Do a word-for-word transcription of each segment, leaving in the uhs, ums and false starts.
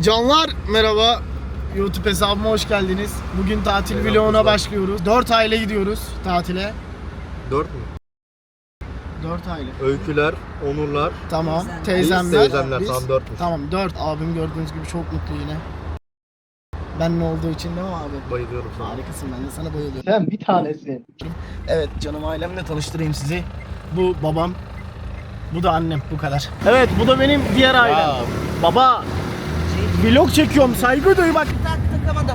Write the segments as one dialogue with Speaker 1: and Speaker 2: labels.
Speaker 1: Canlar merhaba. YouTube hesabıma hoş geldiniz. Bugün tatil merhaba, vloguna kızlar. Başlıyoruz. dört aile gidiyoruz tatile.
Speaker 2: dört mü?
Speaker 1: dört aile.
Speaker 2: Öyküler, Onurlar.
Speaker 1: Tamam. Teyzemler.
Speaker 2: Teyzemler
Speaker 1: biz.
Speaker 2: tam dört mü?
Speaker 1: Tamam dört. Abim gördüğünüz gibi çok mutlu yine. Ben ne olduğu için değil mi abi?
Speaker 2: Bayılıyorum sana.
Speaker 1: Harikasın, ben de sana bayılıyorum. Sen bir tanesin. Evet canım, ailemle tanıştırayım sizi. Bu babam. Bu da annem, bu kadar. Evet, bu da benim diğer ailem. Ya. Baba. Vlog çekiyorum, saygı duy bak.
Speaker 3: Tak takamadım.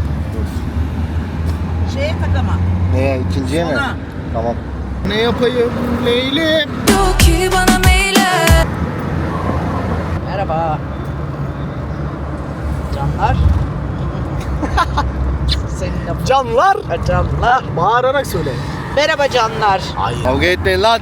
Speaker 3: Şeye takama.
Speaker 2: Neye? İkinciye mi?
Speaker 3: Ona.
Speaker 2: Tamam.
Speaker 1: Ne yapayım Leyli?
Speaker 4: Yok ki bana meyle.
Speaker 3: Merhaba. Canlar. Seninle
Speaker 1: Canlar.
Speaker 3: canlar.
Speaker 1: Bağırarak söyle.
Speaker 3: Merhaba canlar.
Speaker 1: Ay.
Speaker 2: Kavga etmeyin lan.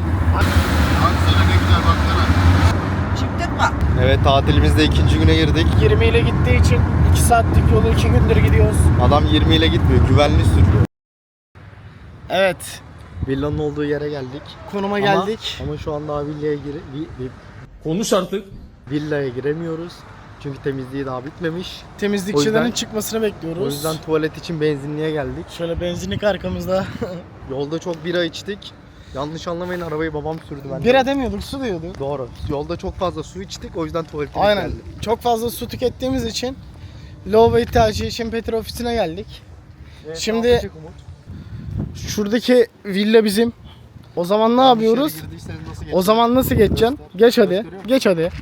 Speaker 3: Çıktık mı?
Speaker 2: Evet, tatilimizde ikinci güne girdik.
Speaker 1: yirmi ile gittiği için iki saatlik yolu iki gündür gidiyoruz.
Speaker 2: Adam yirmi ile gitmiyor, güvenli sürüyor.
Speaker 1: Evet.
Speaker 2: Villanın olduğu yere geldik.
Speaker 1: Konuma
Speaker 2: Ama-
Speaker 1: geldik.
Speaker 2: Ama şu anda daha villaya gire... Vi, vi,
Speaker 5: Konuş artık.
Speaker 2: villaya giremiyoruz. Çünkü temizliği daha bitmemiş.
Speaker 1: Temizlikçilerin
Speaker 2: O yüzden-
Speaker 1: çıkmasını bekliyoruz.
Speaker 2: O yüzden tuvalet için benzinliğe geldik.
Speaker 1: Şöyle benzinlik arkamızda.
Speaker 2: Yolda çok bira içtik. Yanlış anlamayın, arabayı babam sürdü bence.
Speaker 1: Bira demiyorduk, su diyorduk.
Speaker 2: Doğru. Yolda çok fazla su içtik, o yüzden tuvalete
Speaker 1: Aynen.
Speaker 2: geldik.
Speaker 1: Çok fazla su tükettiğimiz için lavabo ihtiyacı için Petrol ofisine geldik.
Speaker 2: Evet,
Speaker 1: Şimdi-
Speaker 2: ne yapacak Umut?
Speaker 1: Şuradaki villa bizim. O zaman ne yapıyoruz?
Speaker 2: İçeri girdiyseniz nasıl
Speaker 1: O zaman nasıl geçeceksin?
Speaker 2: Göster.
Speaker 1: Geç hadi.
Speaker 2: Gösteriyor musun?
Speaker 1: Geç hadi.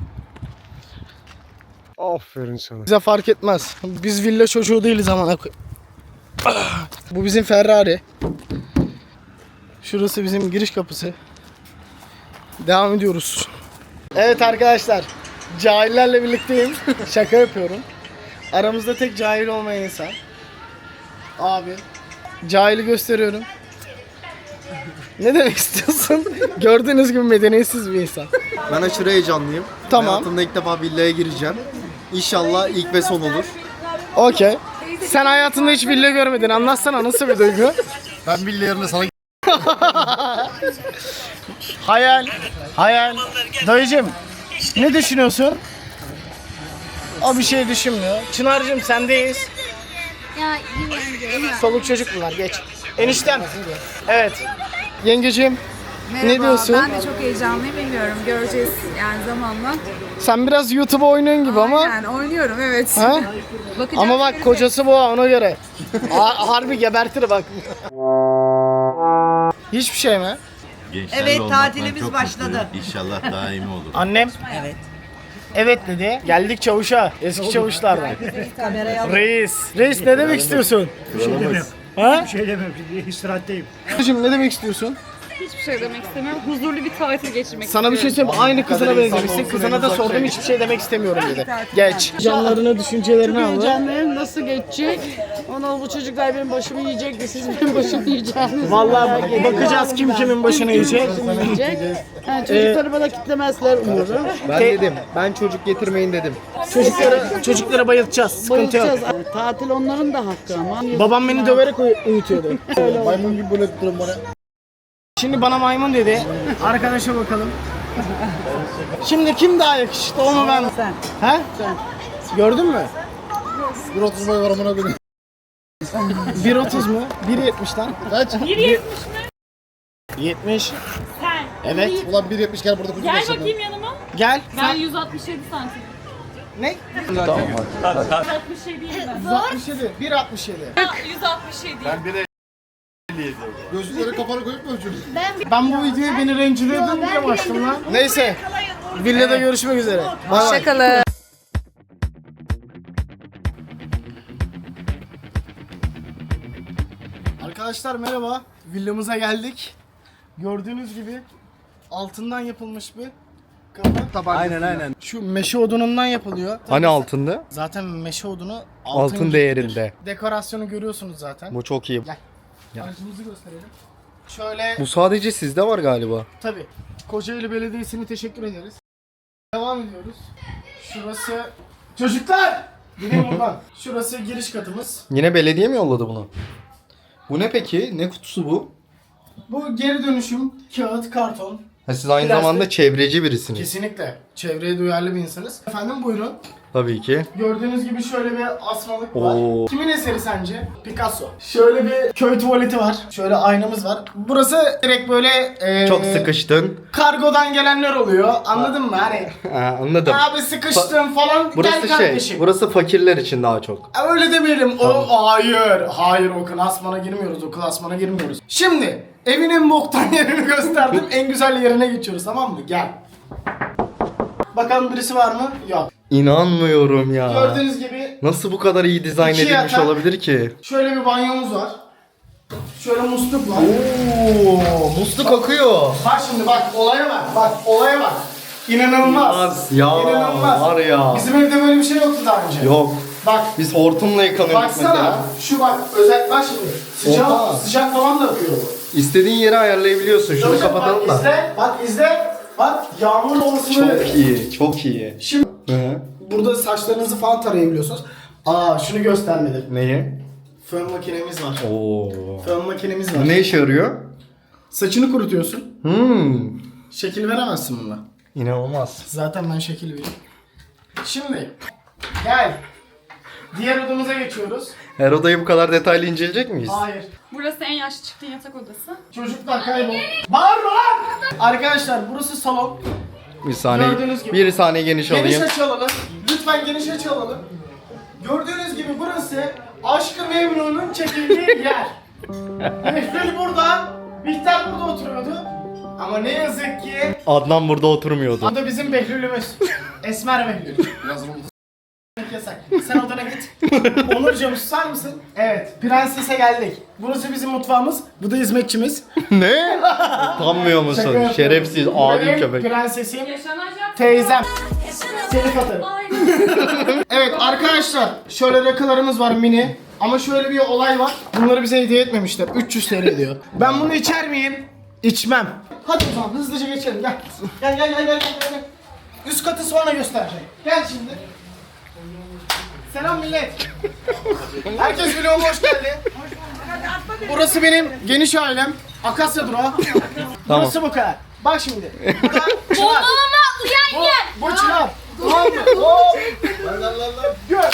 Speaker 2: Aferin sana.
Speaker 1: Bize fark etmez. Biz villa çocuğu değiliz amına koy. Ah! Bu bizim Ferrari. Şurası bizim giriş kapısı. Devam ediyoruz. Evet arkadaşlar. Cahillerle birlikteyim. Şaka yapıyorum. Aramızda tek cahil olmayan insan. Abi. Cahili gösteriyorum. Ne demek istiyorsun? Gördüğünüz gibi medeniyetsiz bir insan.
Speaker 2: Ben aşırı heyecanlıyım.
Speaker 1: Tamam.
Speaker 2: Hayatımda ilk defa villaya gireceğim. İnşallah ilk ve son olur.
Speaker 1: Okey. Sen hayatında hiç villa görmedin. Anlatsana, nasıl bir duygu?
Speaker 2: Ben villa yerine sana...
Speaker 1: Hayal. Hayal. Dayıcım, ne düşünüyorsun? O bir şey düşünmüyor. Çınar'cığım sendeyiz.
Speaker 6: Ya iyi
Speaker 1: Soluk çocuk bunlar, geç. Eniştem. Evet. Yengeciğim,
Speaker 6: Merhaba,
Speaker 1: ne diyorsun?
Speaker 6: ben de çok heyecanlıyım, bilmiyorum. Göreceğiz yani zamanla.
Speaker 1: Sen biraz YouTube'a oynuyorsun gibi ama.
Speaker 6: Aynen, oynuyorum evet.
Speaker 1: Ha?
Speaker 6: Bakacağız,
Speaker 1: Ama bak,
Speaker 6: göreceğiz.
Speaker 1: kocası bu, ona göre. Ha- harbi gebertir bak. Hiçbir şey mi?
Speaker 7: Gençlerle
Speaker 3: Evet,
Speaker 7: olmaktan
Speaker 3: tatilimiz
Speaker 7: çok
Speaker 3: başladı.
Speaker 7: mutluyum. İnşallah daimi olur.
Speaker 1: Annem
Speaker 3: Evet.
Speaker 1: evet dedi. Geldik çavuşa. Eski çavuşlardan.
Speaker 3: Kamerayı al.
Speaker 1: Reis. Reis ne demek istiyorsun? Ha?
Speaker 8: Bir şey demem şimdi istirahatteyim.
Speaker 1: Şimdi ne demek istiyorsun?
Speaker 6: Hiçbir şey demek istemiyorum. Huzurlu bir tatil geçirmek
Speaker 1: Sana bir şey
Speaker 6: istiyorum.
Speaker 1: söyleyeyim, aynı kızına benzemişsin. Kızına da sordum, hiçbir şey demek istemiyorum dedi. Geç. Canlarını, düşüncelerini al.
Speaker 9: Heyecanlıyım, nasıl geçecek? Ona bu çocuklar benim başımı yiyecek de siz benim başımı yiyeceksiniz.
Speaker 1: Vallahi bakacağız kim kimin başını yiyecek.
Speaker 9: yiyecek. Yani çocukları bana kitlemezler umurum.
Speaker 2: Ben dedim, ben çocuk getirmeyin dedim.
Speaker 1: Çocuklara, çocuklara bayıltacağız. Sıkıntı yok.
Speaker 9: Bayılacağız. Tatil onların da hakkı ama.
Speaker 1: Babam beni döverek uy- uyutuyordu.
Speaker 2: Maymun gibi böyle durun bana.
Speaker 1: Şimdi bana maymun dedi. Arkadaşa bakalım. Şimdi kim daha yakışıklı, o mu ben mi?
Speaker 3: Sen.
Speaker 1: He? Gördün mü?
Speaker 2: bir otuz boy var amına koyayım.
Speaker 1: bir otuz mu? bir yetmiş lan.
Speaker 2: Kaç?
Speaker 6: bir yetmiş mi?
Speaker 1: yetmiş.
Speaker 6: Sen.
Speaker 1: Evet.
Speaker 2: Ulan bir yetmiş kere burada kucak
Speaker 6: Gel
Speaker 2: yaşadım.
Speaker 6: bakayım yanıma.
Speaker 1: Gel.
Speaker 6: Ben yüz altmış yedi santim.
Speaker 1: Ne?
Speaker 6: yüz altmış yediyim ben.
Speaker 1: yüz altmış yedi. bir altmış yedi.
Speaker 6: yüz altmış yedi.
Speaker 2: Gözlükleri kafana koyup mu ölçüyorsun?
Speaker 1: Ben bu videoyu beni rencide edin diye başladım lan. Neyse. Villada görüşmek üzere.
Speaker 6: Hoşçakalın.
Speaker 1: Arkadaşlar merhaba. Villamıza geldik. Gördüğünüz gibi altından yapılmış bir kapı.
Speaker 2: Aynen aynen.
Speaker 1: Şu meşe odunundan yapılıyor.
Speaker 2: Hani altında?
Speaker 1: Zaten meşe odunu altın,
Speaker 2: Altın
Speaker 1: gibidir.
Speaker 2: değerinde.
Speaker 1: Dekorasyonu görüyorsunuz zaten.
Speaker 2: Bu çok iyi.
Speaker 1: Gel. Aracımızı gösterelim. Şöyle
Speaker 2: Bu sadece sizde var galiba.
Speaker 1: tabii. Kocaeli Belediyesi'ne teşekkür ederiz. Devam ediyoruz. Şurası çocuklar. Gidin buradan. Şurası giriş katımız.
Speaker 2: Yine belediye mi yolladı bunu? Bu ne peki? Ne kutusu bu?
Speaker 1: Bu geri dönüşüm kağıt, karton.
Speaker 2: Ha, siz aynı
Speaker 1: Plastik.
Speaker 2: zamanda çevreci birisiniz.
Speaker 1: Kesinlikle. Çevreye duyarlı bir insanız. Efendim buyurun.
Speaker 2: Tabii ki.
Speaker 1: Gördüğünüz gibi şöyle bir asmalık
Speaker 2: Oo.
Speaker 1: var. Kimin eseri sence? Picasso. Şöyle bir köy tuvaleti var. Şöyle aynamız var. Burası direkt böyle e,
Speaker 2: Çok sıkıştın.
Speaker 1: kargodan gelenler oluyor. Anladın mı? Hani
Speaker 2: Ha, anladım.
Speaker 1: abi sıkıştım falan
Speaker 2: Burası
Speaker 1: gel
Speaker 2: şey,
Speaker 1: kardeşim.
Speaker 2: burası fakirler için daha çok.
Speaker 1: Öyle demeyelim. O hayır. Hayır o klasmana girmiyoruz. O klasmana girmiyoruz. Şimdi evin en boktan yerini gösterdim. En güzel yerine geçiyoruz, tamam mı? Gel. Bakalım birisi var mı? Yok.
Speaker 2: İnanmıyorum ya.
Speaker 1: Gördüğünüz gibi
Speaker 2: Nasıl bu kadar iyi dizayn
Speaker 1: İki
Speaker 2: edilmiş
Speaker 1: yatak.
Speaker 2: olabilir ki?
Speaker 1: şöyle bir banyomuz var. Şöyle musluk var.
Speaker 2: Oo, musluk akıyor.
Speaker 1: Bak şimdi bak olaya bak. Bak olaya bak. İnanılmaz.
Speaker 2: Ya
Speaker 1: İnanılmaz.
Speaker 2: var ya.
Speaker 1: Bizim evde böyle bir şey yoktu daha önce.
Speaker 2: Yok.
Speaker 1: Bak.
Speaker 2: Biz hortumla yıkanıyorduk
Speaker 1: Baksana.
Speaker 2: mesela.
Speaker 1: Şu bak özel bak şimdi. Sıcak,
Speaker 2: Oha.
Speaker 1: sıcak falan da akıyor bu.
Speaker 2: İstediğin yeri ayarlayabiliyorsun. Şunu
Speaker 1: Bak,
Speaker 2: kapatalım
Speaker 1: bak,
Speaker 2: da.
Speaker 1: izle. Bak izle. Bak yağmur olasılığı.
Speaker 2: Çok iyi, çok iyi.
Speaker 1: Şimdi
Speaker 2: Hı.
Speaker 1: burada saçlarınızı falan tarayabiliyorsunuz. Aa şunu göstermedim.
Speaker 2: Neyi?
Speaker 1: Fön makinemiz var.
Speaker 2: Oo.
Speaker 1: Fön makinemiz var.
Speaker 2: Bu ne işe yarıyor?
Speaker 1: Saçını kurutuyorsun.
Speaker 2: Hmm.
Speaker 1: Şekil veremezsin bununla.
Speaker 2: İnanılmaz.
Speaker 1: Zaten ben şekil veriyorum. Şimdi gel. Diğer odamıza geçiyoruz.
Speaker 2: Her odayı bu kadar detaylı inceleyecek miyiz?
Speaker 1: Hayır.
Speaker 6: Burası en yaşlı çıktığın yatak odası.
Speaker 1: Çocuklar kaybol. Bağırma lan! Arkadaşlar burası salon.
Speaker 2: Bir saniye.
Speaker 1: Gördüğünüz gibi.
Speaker 2: Bir saniye geniş
Speaker 1: Geniş
Speaker 2: alayım.
Speaker 1: açı alalım. Lütfen geniş açı alalım. Gördüğünüz gibi burası Aşk-ı Memnu'nun çekildiği yer. Behlül burada, Bihter burada oturuyordu. Ama ne yazık ki
Speaker 2: Adnan burada oturmuyordu.
Speaker 1: bu da bizim Behlül'ümüz. Esmer Behlül. Yasak. Sen odana git. Onurcuğum susar mısın? Evet, prensese geldik. Burası bizim mutfağımız. Bu da hizmetçimiz.
Speaker 2: Ne? Utanmıyor
Speaker 1: Şaka
Speaker 2: musun?
Speaker 1: yapıyorum.
Speaker 2: Şerefsiz,
Speaker 1: Bu
Speaker 2: adi
Speaker 1: benim
Speaker 2: köpek.
Speaker 1: Prensesim,
Speaker 6: Yaşanacak.
Speaker 1: teyzem. Seni atarım. Evet arkadaşlar, şöyle rakılarımız var mini. Ama şöyle bir olay var. Bunları bize hediye etmemişler. üç yüz T L diyor. Ben bunu içer miyim? İçmem. Hadi o zaman hızlıca geçelim gel. Gel gel gel gel gel. gel. Üst katı sonra göstereceğim. Gel şimdi. Selam millet. Herkes vloguma hoş geldi. Burası benim geniş ailem. Akasya durağı. Burası bu kadar. Bak şimdi. Burada çınar. Bu, bu çınar. Tamam mı? Hop. Lan lan lan lan. Gör.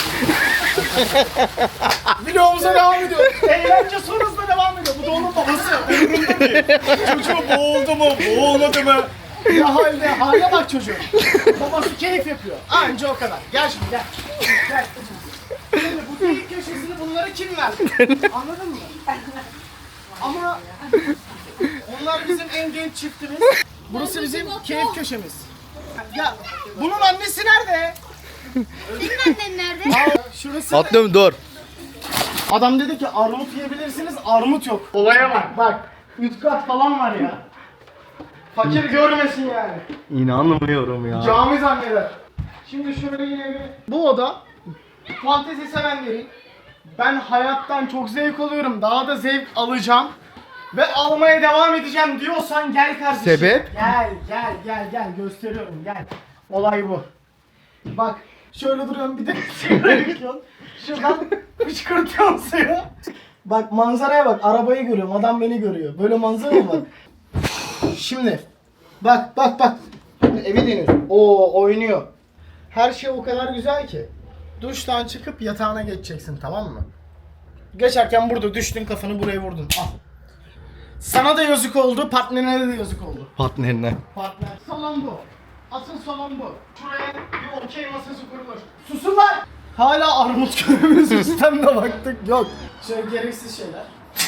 Speaker 1: Vlogumuza devam ediyor. Eğlence son hızla devam ediyor. Bu da onun babası. Umurumda değil. Çocuğu boğuldu mu? Boğulmadı mı? Ya halde, hale bak çocuğun. Babası keyif yapıyor. Anca o kadar. Gel şimdi gel. Gel. Şimdi bu delik köşesini bunlara kim verdi? Anladın mı? Ama onlar bizim en genç çiftimiz. Burası bizim keyif köşemiz. Ya bunun annesi nerede?
Speaker 5: Senin annen nerede?
Speaker 1: Aa, şurası.
Speaker 2: Atlıyorum dur.
Speaker 1: Adam dedi ki armut yiyebilirsiniz, armut yok. Olaya bak bak. Üst kat falan var ya. Fakir görmesin yani.
Speaker 2: İnanmıyorum ya.
Speaker 1: Cami zanneder. Şimdi şöyle yine bir... Bu oda fantezi sevenlerin. Ben hayattan çok zevk alıyorum. Daha da zevk alacağım. Ve almaya devam edeceğim diyorsan gel kardeşim.
Speaker 2: Sebep?
Speaker 1: Gel gel gel gel gösteriyorum gel. Olay bu. Bak şöyle duruyorum bir de sigara yakıyorsun. Şuradan fışkırtıyorum suyu. Bak manzaraya bak, arabayı görüyorum, adam beni görüyor. Böyle manzara mı var? Şimdi bak bak bak. Şimdi evi deniyorsun. Oo oynuyor. Her şey o kadar güzel ki. Duştan çıkıp yatağına geçeceksin, tamam mı? Geçerken burada düştün, kafanı buraya vurdun. Al. Sana da yazık oldu, partnerine de yazık oldu.
Speaker 2: Partnerine.
Speaker 1: Partner. Salon bu. Asıl salon bu. Şuraya bir okey masası kurulur. Susun lan! Hala armut görevimiz üstten de baktık. Yok. Şöyle gereksiz şeyler.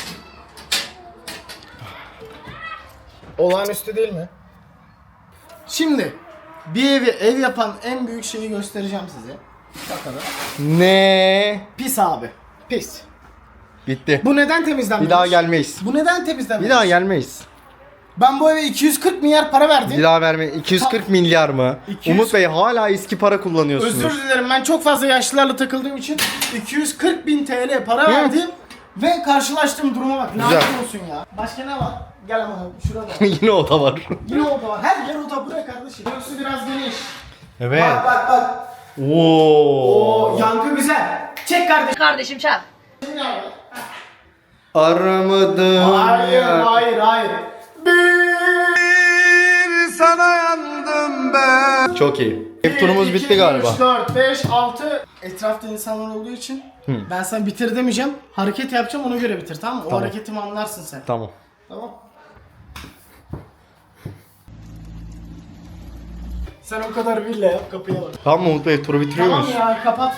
Speaker 1: Olağanüstü değil mi? Şimdi bir evi ev yapan en büyük şeyi göstereceğim size. Bakalım.
Speaker 2: Ne?
Speaker 1: Pis abi. Pis.
Speaker 2: Bitti.
Speaker 1: Bu neden temizlenmemiş?
Speaker 2: Bir daha gelmeyiz.
Speaker 1: Bu neden temizlenmemiş?
Speaker 2: Bir daha gelmeyiz.
Speaker 1: Ben bu eve iki yüz kırk milyar para verdim.
Speaker 2: Bir daha verme. iki yüz kırk milyar mı?
Speaker 1: iki yüz
Speaker 2: Umut Bey hala eski para kullanıyorsunuz.
Speaker 1: Özür dilerim, ben çok fazla yaşlılarla takıldığım için iki yüz kırk bin T L para verdim ve karşılaştığım duruma bak.
Speaker 2: Güzel.
Speaker 1: Lanet olsun ya. Başka ne var? Gel ama şurada.
Speaker 2: Yine oda var.
Speaker 1: Yine oda var. Her yer oda buraya kardeşim. Burası biraz geniş.
Speaker 2: Evet.
Speaker 1: Bak bak bak.
Speaker 2: Oo.
Speaker 1: Oo yankı güzel. Çek kardeşim.
Speaker 3: Kardeşim çal.
Speaker 2: Aramadım
Speaker 1: Hayır
Speaker 2: ya.
Speaker 1: hayır hayır. Bir
Speaker 2: Çok iyi. Ev turumuz bitti galiba.
Speaker 1: üç, dört, beş, altı. Etrafta insanlar olduğu için ben sana bitir demeyeceğim. Hareket yapacağım, ona göre bitir, tamam mı? O
Speaker 2: Tamam.
Speaker 1: hareketimi anlarsın sen.
Speaker 2: Tamam.
Speaker 1: Tamam. Sen o kadar bille yap, kapıya bak.
Speaker 2: Tamam mı Umut Bey, turu bitiriyor
Speaker 1: Tamam
Speaker 2: muyuz?
Speaker 1: ya, kapat.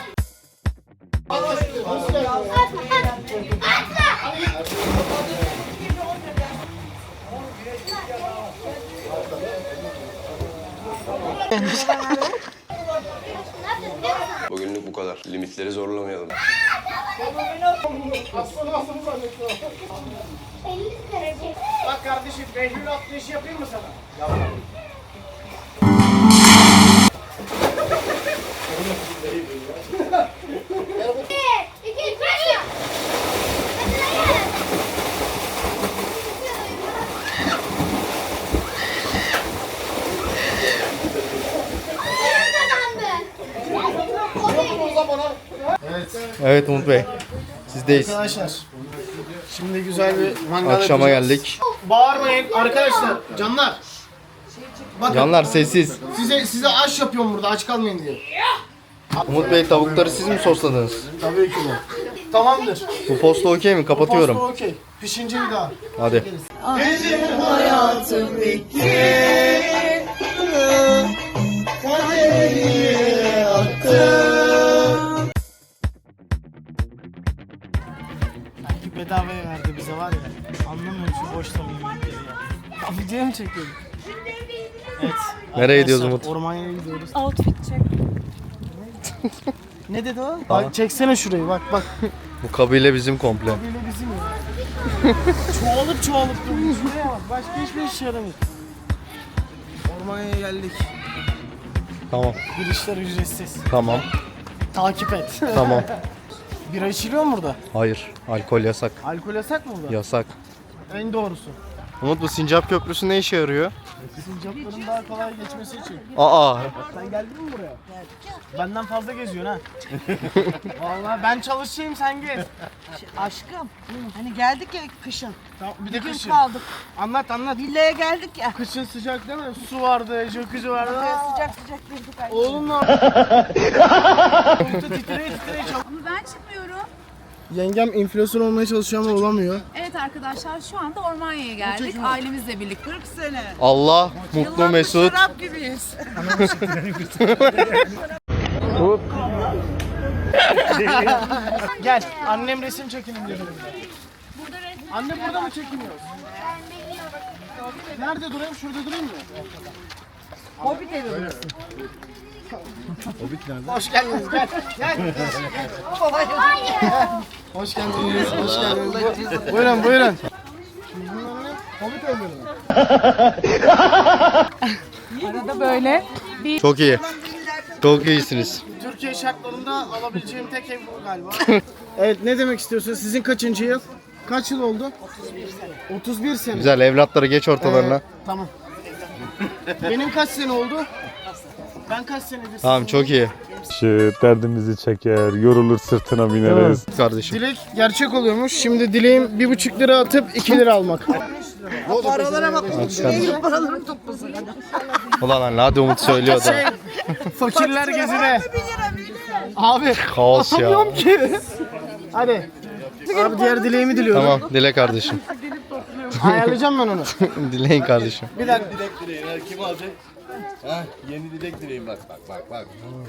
Speaker 8: Bugünlük bu kadar. Limitleri zorlamayalım.
Speaker 1: Bak kardeşim, Behlül atlayışı yapayım mı sana?
Speaker 5: İki, üç,
Speaker 2: Evet Umut Bey. Sizdeyiz.
Speaker 1: Arkadaşlar, şimdi güzel bir mangal
Speaker 2: Akşama
Speaker 1: yapacağız.
Speaker 2: geldik.
Speaker 1: Bağırmayın arkadaşlar, canlar. Bakın,
Speaker 2: Canlar sessiz.
Speaker 1: size size aş yapıyorum burada, aç kalmayın diye.
Speaker 2: Umut Bey, tavukları siz mi sosladınız?
Speaker 1: Tabii ki de. Tamamdır.
Speaker 2: Bu posta okey mi? Kapatıyorum.
Speaker 1: Posta okey. Pişince bir daha.
Speaker 2: Hadi.
Speaker 1: Belki bedavaya verdi bize, var ya. Anlamıyorum şu boş tabii yemekleri ya. Abi video mu çekiyorum? Evet.
Speaker 2: Nereye gidiyoruz
Speaker 1: arkadaşlar,
Speaker 2: Umut?
Speaker 1: Ormanya'ya gidiyoruz.
Speaker 6: Outfit check.
Speaker 1: Ne dedi o? Bak çeksene şurayı, bak bak.
Speaker 2: Bu kabile bizim komple.
Speaker 1: Böyle bizim ya. çoğalıp çoğalıp duruyor. Şuraya bak. Başka hiçbir işe yaramıyor. Ormanya'ya geldik.
Speaker 2: Tamam.
Speaker 1: Girişler ücretsiz.
Speaker 2: Tamam.
Speaker 1: Takip et.
Speaker 2: Tamam.
Speaker 1: Bira içiliyor mu burada?
Speaker 2: Hayır. Alkol yasak.
Speaker 1: Alkol yasak mı burada?
Speaker 2: Yasak.
Speaker 1: En doğrusu.
Speaker 2: Umut, bu Sincap Köprüsü ne işe yarıyor?
Speaker 1: Sincapların daha kolay geçmesi için.
Speaker 2: Aa.
Speaker 1: Sen geldin mi buraya? Benden fazla geziyorsun ha. Vallahi ben çalışayım, sen gez.
Speaker 3: Aşkım. Hani geldik ya kışın.
Speaker 1: Tamam, bir de
Speaker 3: Bir gün
Speaker 1: kışın.
Speaker 3: kaldık.
Speaker 1: Anlat anlat.
Speaker 3: Villaya geldik ya.
Speaker 1: Kışın sıcak değil mi? Su vardı, jacuzzi vardı.
Speaker 3: Böyle sıcak sıcak girdik ay.
Speaker 1: Oğlum ne yapıyorsun? titreye titreye çal-
Speaker 6: Ama ben çıkmıyorum.
Speaker 1: Yengem inflasyon olmaya çalışıyor ama olamıyor.
Speaker 6: Evet arkadaşlar, şu anda Ormanya'ya geldik. Ailemizle birlikte.
Speaker 3: kırk sene.
Speaker 2: Allah mutlu
Speaker 3: Yıllardır
Speaker 2: mesut.
Speaker 3: şarap gibiyiz.
Speaker 1: Gel, annem resim çekelim dedi. Anne burada mı çekiniyoruz? Nerede durayım? Şurada durayım mı?
Speaker 3: Hobbit evi burası.
Speaker 1: Hoş geldiniz, gel. Gel. Hoş geldiniz, hoş geldiniz. Bu- Buyurun, buyurun. Hobbit evi mi?
Speaker 6: Arada böyle
Speaker 2: Çok iyi. Çok iyisiniz.
Speaker 1: Türkiye şartlarında alabileceğim tek ev bu galiba. Evet, ne demek istiyorsun? Sizin kaçıncı yıl? Kaç yıl oldu? otuz bir sene.
Speaker 2: Güzel, evlatları geç ortalarına.
Speaker 1: Ee, tamam. Benim kaç sene oldu? Ben kaç senedir?
Speaker 2: Tamam, çok iyi.
Speaker 10: Şu derdimizi çeker, yorulur sırtına bineriz.
Speaker 2: Kardeşim.
Speaker 1: Dilek gerçek oluyormuş. Şimdi dileğim bir buçuk lira atıp iki lira almak.
Speaker 3: Paralara bak.
Speaker 2: Hadi.
Speaker 3: Benim paralarım toplasın.
Speaker 2: Ulan anne, hadi Umut söylüyor da.
Speaker 1: Fakirler gezide. Abi
Speaker 2: Kaos ya.
Speaker 1: atamıyorum ki. Hadi. Abi diğer dileğimi diliyorum.
Speaker 2: Tamam, dile kardeşim.
Speaker 1: Ayarlayacağım ben onu.
Speaker 2: Dileyin kardeşim.
Speaker 1: Bir dakika.
Speaker 7: Dilek dileğin. her Kim alacak? Ha, yeni dilek dileğin bak bak bak bak.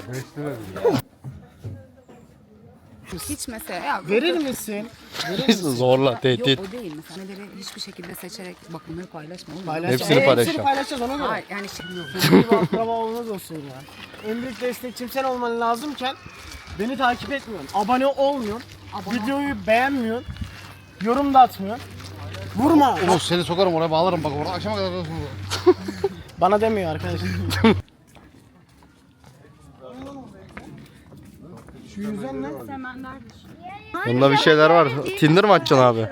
Speaker 6: hiç mesela. Ya,
Speaker 1: Verir misin?
Speaker 2: Zorla, tehdit.
Speaker 6: o değil. Mesela neleri hiçbir şekilde seçerek bak bunları paylaşma. Oğlum.
Speaker 1: Paylaş.
Speaker 2: Hepsini
Speaker 1: Ee,
Speaker 2: paylaşacağım.
Speaker 1: Hepsini paylaşacağız ona göre.
Speaker 6: Hayır yani şey
Speaker 1: Bir akraba olmaz olsun ya. En büyük destekçim sen olman lazımken beni takip etmiyorsun. Abone olmuyorsun. Videoyu beğenmiyorsun. Yorum da atmıyorsun. Vurma.
Speaker 2: Umut, seni sokarım oraya, bağlarım bak orada akşama kadar.
Speaker 1: Bana demiyor arkadaşlar. Şu yüzden ne?
Speaker 2: Bunda bir şeyler var. Tinder mi açacaksın abi?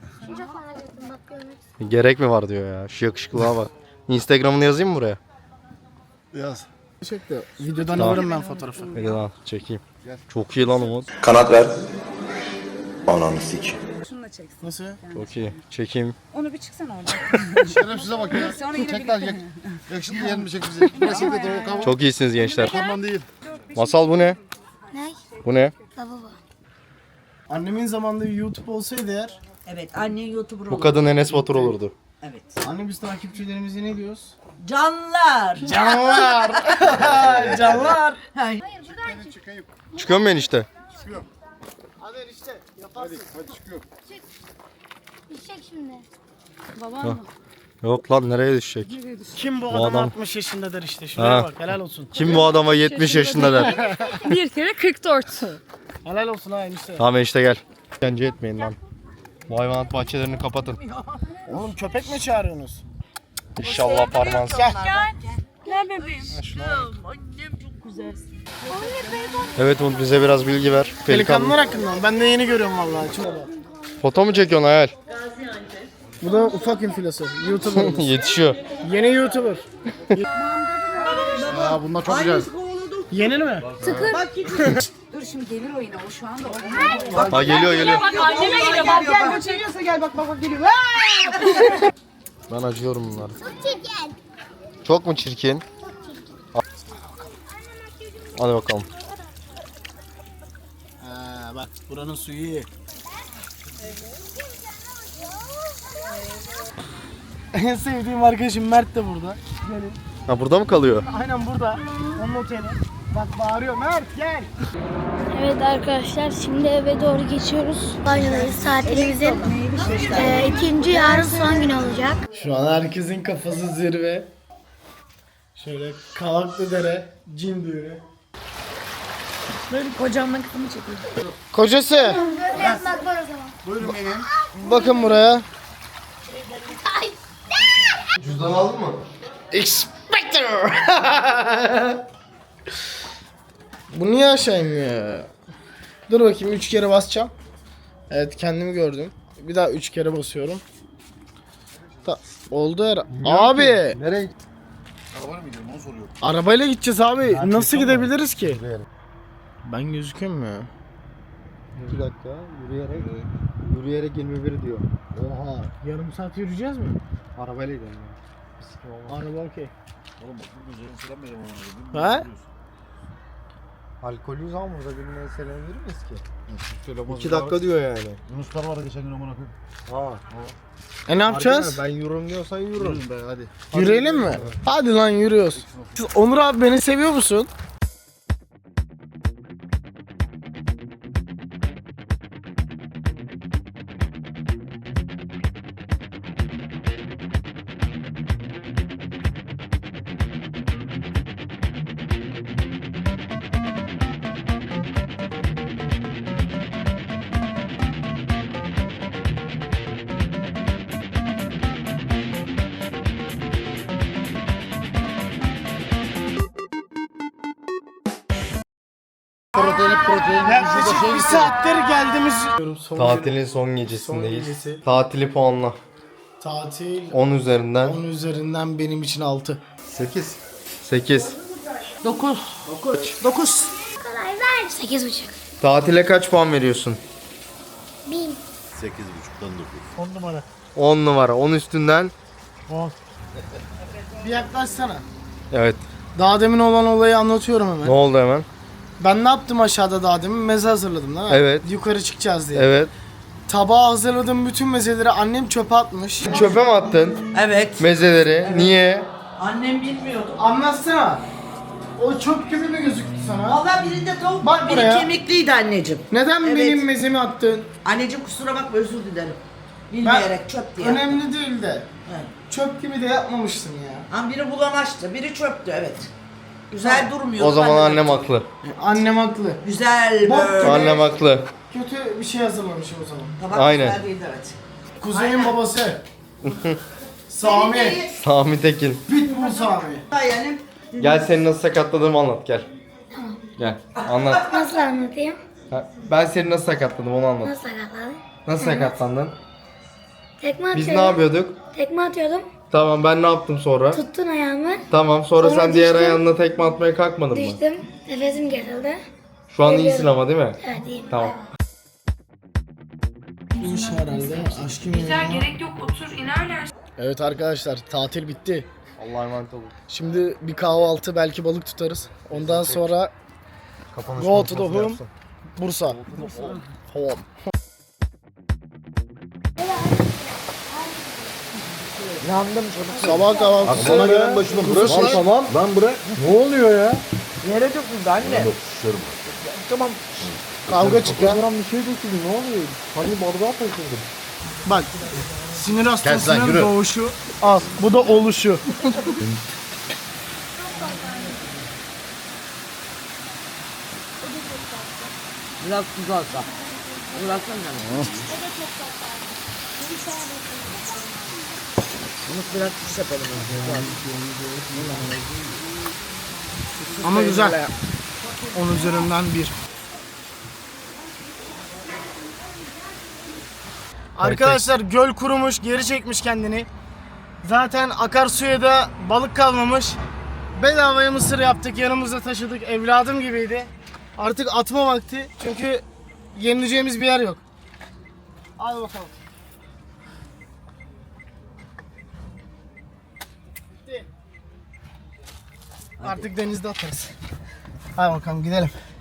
Speaker 2: Gerek mi var diyor ya. Şu yakışıklığa bak. Instagram'ını yazayım mı buraya?
Speaker 1: Yaz. Çek de videodan
Speaker 2: Tamam.
Speaker 1: alırım ben fotoğrafı.
Speaker 2: Hadi lan çekeyim. Çok iyi lan Umut.
Speaker 8: Kanat ver. Ananı sik.
Speaker 6: Şunu da çeksin.
Speaker 1: Nasıl?
Speaker 2: Çok iyi. Çekeyim.
Speaker 6: Onu bir çıksana oradan.
Speaker 3: Şerefsize bak ya.
Speaker 6: Sonra yine
Speaker 3: Çek lan
Speaker 6: birlikte.
Speaker 3: yak. Yakışıklı yerim bir çek bizi. Burası bir de o kavga.
Speaker 2: Çok iyisiniz gençler.
Speaker 3: Korman değil.
Speaker 2: Masal bu ne?
Speaker 5: Ne?
Speaker 2: Bu ne?
Speaker 5: Lavabo.
Speaker 1: Annemin zamanında bir YouTube olsaydı eğer,
Speaker 3: Evet anne YouTuber
Speaker 2: Bu kadın Enes Batur olurdu.
Speaker 3: Evet.
Speaker 1: anne biz takipçilerimize ne diyoruz?
Speaker 3: Canlar.
Speaker 1: Canlar! Canlar!
Speaker 2: Çıkıyor mu enişte?
Speaker 1: Hadi işte yaparsın.
Speaker 5: Düşecek şimdi.
Speaker 6: Babam mı?
Speaker 2: Yok lan nereye düşecek?
Speaker 1: Kim bu
Speaker 2: Bu
Speaker 1: adam,
Speaker 2: adam-
Speaker 1: altmış yaşındadır işte. Şuraya
Speaker 2: Ha.
Speaker 1: bak, helal olsun.
Speaker 2: Kim bu adama yetmiş yaşında der.
Speaker 6: Bir kere kırk dört.
Speaker 1: Helal olsun ha enişte.
Speaker 2: Tamam enişte gel. Bence etmeyin lan. Bu hayvanat bahçelerini kapatın.
Speaker 1: Oğlum köpek mi çağırıyorsunuz?
Speaker 2: İnşallah parmağınız.
Speaker 6: Gel bebeğim.
Speaker 2: Evet Umut bize biraz bilgi ver. Pelikan.
Speaker 1: Pelikanlar hakkında mı? Ben de yeni görüyorum vallahi. Çok-
Speaker 2: Foto mu çekiyorsun hayal?
Speaker 1: Bu da ufak infilası. YouTuber.
Speaker 2: Yetişiyor.
Speaker 1: Yeni YouTuber.
Speaker 3: Aa bunlar çok güzel.
Speaker 1: Yeni mi?
Speaker 6: Dur şimdi gelir o yine. O şu anda o.
Speaker 2: Ha geliyor geliyor.
Speaker 6: Anneme geliyor. Bak gel.
Speaker 3: Bak çekiyorsa gel bak bak bak geliyor.
Speaker 2: Ben acıyorum bunlara.
Speaker 5: Çok çirkin.
Speaker 2: Çok mu çirkin? Hadi bakalım.
Speaker 1: Ha, bak buranın suyu iyi. En sevdiğim arkadaşım Mert de burada. Gelin.
Speaker 2: Ha burada mı kalıyor?
Speaker 1: Aynen burada. Onun oteli. Bak bağırıyor Mert gel.
Speaker 5: Evet arkadaşlar şimdi eve doğru geçiyoruz. Banyodayız. Tatilimizin e, ikinci yarın son gün olacak.
Speaker 1: Şu an herkesin kafası zirve. Şöyle Kavaklıdere cin düğünü.
Speaker 6: Böyle kocamla kızımı çekiyor.
Speaker 1: Kocası
Speaker 5: Evet bak var o zaman.
Speaker 3: Buyurun benim.
Speaker 1: bakın buraya.
Speaker 2: Cüzdan aldın mı?
Speaker 1: Expector. Bu niye aşağı inmiyor? Dur bakayım üç kere basacağım. Evet kendimi gördüm. Bir daha üç kere basıyorum. Ta oldu her. Abi
Speaker 2: Nereye?
Speaker 3: Arabayla mı gidiyorum onu soruyorum.
Speaker 1: arabayla gideceğiz abi. Nasıl gidebiliriz ki? Ben gözüküyorum mu ya?
Speaker 2: iki dakika yürüyerek. Yürüyerek yirmi bir diyor.
Speaker 1: Oha. Yarım saat yürüyeceğiz mi?
Speaker 2: Arabayla gidelim ya.
Speaker 1: Araba okey.
Speaker 3: Oğlum bak bu gözlerini selam verin ona.
Speaker 1: Ha?
Speaker 2: Alkolüyüz ama burada birine selam verir miyiz ki?
Speaker 3: Söylemez.
Speaker 2: iki dakika diyor yani.
Speaker 3: Yunuslar vardı geçen gün amına koyayım.
Speaker 2: Ha.
Speaker 1: E ne yapacağız?
Speaker 2: Ben yürürüm diyorsan yürürüm.
Speaker 3: Yürüyün be hadi.
Speaker 1: Yürüyelim mi? Hadi lan yürüyoruz. Onur abi beni seviyor musun?
Speaker 3: Protein protein.
Speaker 1: Yaklaşık bir saattir geldiğimiz... Son
Speaker 2: Tatilin son gecesindeyiz.
Speaker 1: Son gecesi.
Speaker 2: Tatili puanla.
Speaker 1: Tatil
Speaker 2: on üzerinden
Speaker 1: on üzerinden benim için altı.
Speaker 2: sekiz. sekiz.
Speaker 3: dokuz. dokuz.
Speaker 5: Sekiz buçuk.
Speaker 2: Tatile kaç puan veriyorsun?
Speaker 5: Bin.
Speaker 7: sekiz buçuktan dokuz.
Speaker 1: on numara.
Speaker 2: on numara. on üstünden.
Speaker 1: Bir yaklaşsana.
Speaker 2: Evet.
Speaker 1: Daha demin olan olayı anlatıyorum hemen.
Speaker 2: Ne oldu hemen?
Speaker 1: Ben ne yaptım aşağıda daha demin? Meze hazırladım değil mi?
Speaker 2: Evet.
Speaker 1: Yukarı çıkacağız diye.
Speaker 2: Evet.
Speaker 1: Tabağa hazırladığım bütün mezeleri annem çöpe atmış.
Speaker 2: Çöpe mi attın
Speaker 3: Evet.
Speaker 2: mezeleri? Niye?
Speaker 3: Annem bilmiyordu.
Speaker 1: Anlatsana. O çöp gibi mi gözüktü sana?
Speaker 3: Valla birinde tavuk
Speaker 1: Bak
Speaker 3: var, biri
Speaker 1: buraya.
Speaker 3: kemikliydi anneciğim.
Speaker 1: Neden
Speaker 3: Evet.
Speaker 1: benim mezemi attın?
Speaker 3: Anneciğim kusura bakma özür dilerim. Bilmeyerek çöp diye.
Speaker 1: Önemli değil de.
Speaker 3: Evet.
Speaker 1: Çöp gibi de yapmamışsın ya.
Speaker 3: Ama biri bulamaçtı, biri çöptü evet. Güzel durmuyor.
Speaker 2: O zaman annem haklı.
Speaker 1: Annem haklı.
Speaker 3: Güzel
Speaker 1: Bak,
Speaker 3: böyle.
Speaker 2: Annem haklı.
Speaker 1: Kötü bir şey hazırlamışım o zaman.
Speaker 3: Tabak
Speaker 2: Aynen.
Speaker 3: güzel değildi evet.
Speaker 1: Kuzeyin babası. Sami.
Speaker 2: Sami Tekin.
Speaker 1: Pitbull Sami.
Speaker 3: Yani
Speaker 2: Gel seni nasıl sakatladığımı anlat gel. Gel anlat.
Speaker 5: Nasıl anlatayım?
Speaker 2: Ha, Ben seni nasıl sakatladım onu anlat.
Speaker 5: Nasıl sakatladın?
Speaker 2: Nasıl sakatlandın?
Speaker 5: Tekme
Speaker 2: Biz
Speaker 5: atıyordum.
Speaker 2: ne yapıyorduk?
Speaker 5: Tekme atıyordum.
Speaker 2: Tamam ben ne yaptım sonra?
Speaker 5: Tuttun ayağımı.
Speaker 2: Tamam sonra,
Speaker 5: Sonra
Speaker 2: sen diğer
Speaker 5: düştüm.
Speaker 2: ayağınla tekme atmaya kalkmadın mı?
Speaker 5: Düştüm. Nefesim kesildi.
Speaker 2: Şu an
Speaker 5: Geliyorum.
Speaker 2: iyisin ama değil mi?
Speaker 5: Evet iyiyim.
Speaker 2: Tamam.
Speaker 1: Bu iş herhalde aşkım
Speaker 6: Güzel, gerek yok, otur inerler.
Speaker 1: Evet arkadaşlar, tatil bitti.
Speaker 2: Allah'a emanet olun.
Speaker 1: Şimdi bir kahvaltı, belki balık tutarız. Ondan sonra
Speaker 2: Kapanış
Speaker 1: Go to the
Speaker 2: konuşmasını
Speaker 1: home.
Speaker 2: yapsın.
Speaker 1: Bursa. Home.
Speaker 3: Yandım çabuk.
Speaker 1: Sabah kahvaltısı.
Speaker 7: Bana gelen başıma bırak.
Speaker 1: Tamam,
Speaker 7: tamam. Lan bırak. Ne oluyor ya?
Speaker 3: Yere döküldü anne.
Speaker 7: Şişerim.
Speaker 3: Tamam.
Speaker 1: Kavga çıkıyor.
Speaker 2: Kafadan bir şey döküldü ne oluyor? Hani bardağa taşındım.
Speaker 1: Bak. Sinir
Speaker 7: Kes lan,
Speaker 1: hastasının
Speaker 7: yürü.
Speaker 1: doğuşu az. Bu da oluşu.
Speaker 3: Biraz tuz alsa. Bıraksana canım. Bunu biraz tuz yapalım.
Speaker 1: Ama güzel. On üzerinden bir. Arkadaşlar göl kurumuş, geri çekmiş kendini. Zaten akarsuya da balık kalmamış. Bedavaya mısır yaptık, yanımızda taşıdık. Evladım gibiydi. Artık atma vakti. Çünkü yenileceğimiz bir yer yok. Al bakalım. Bitti. Artık denizde atarız. Hadi bakalım gidelim.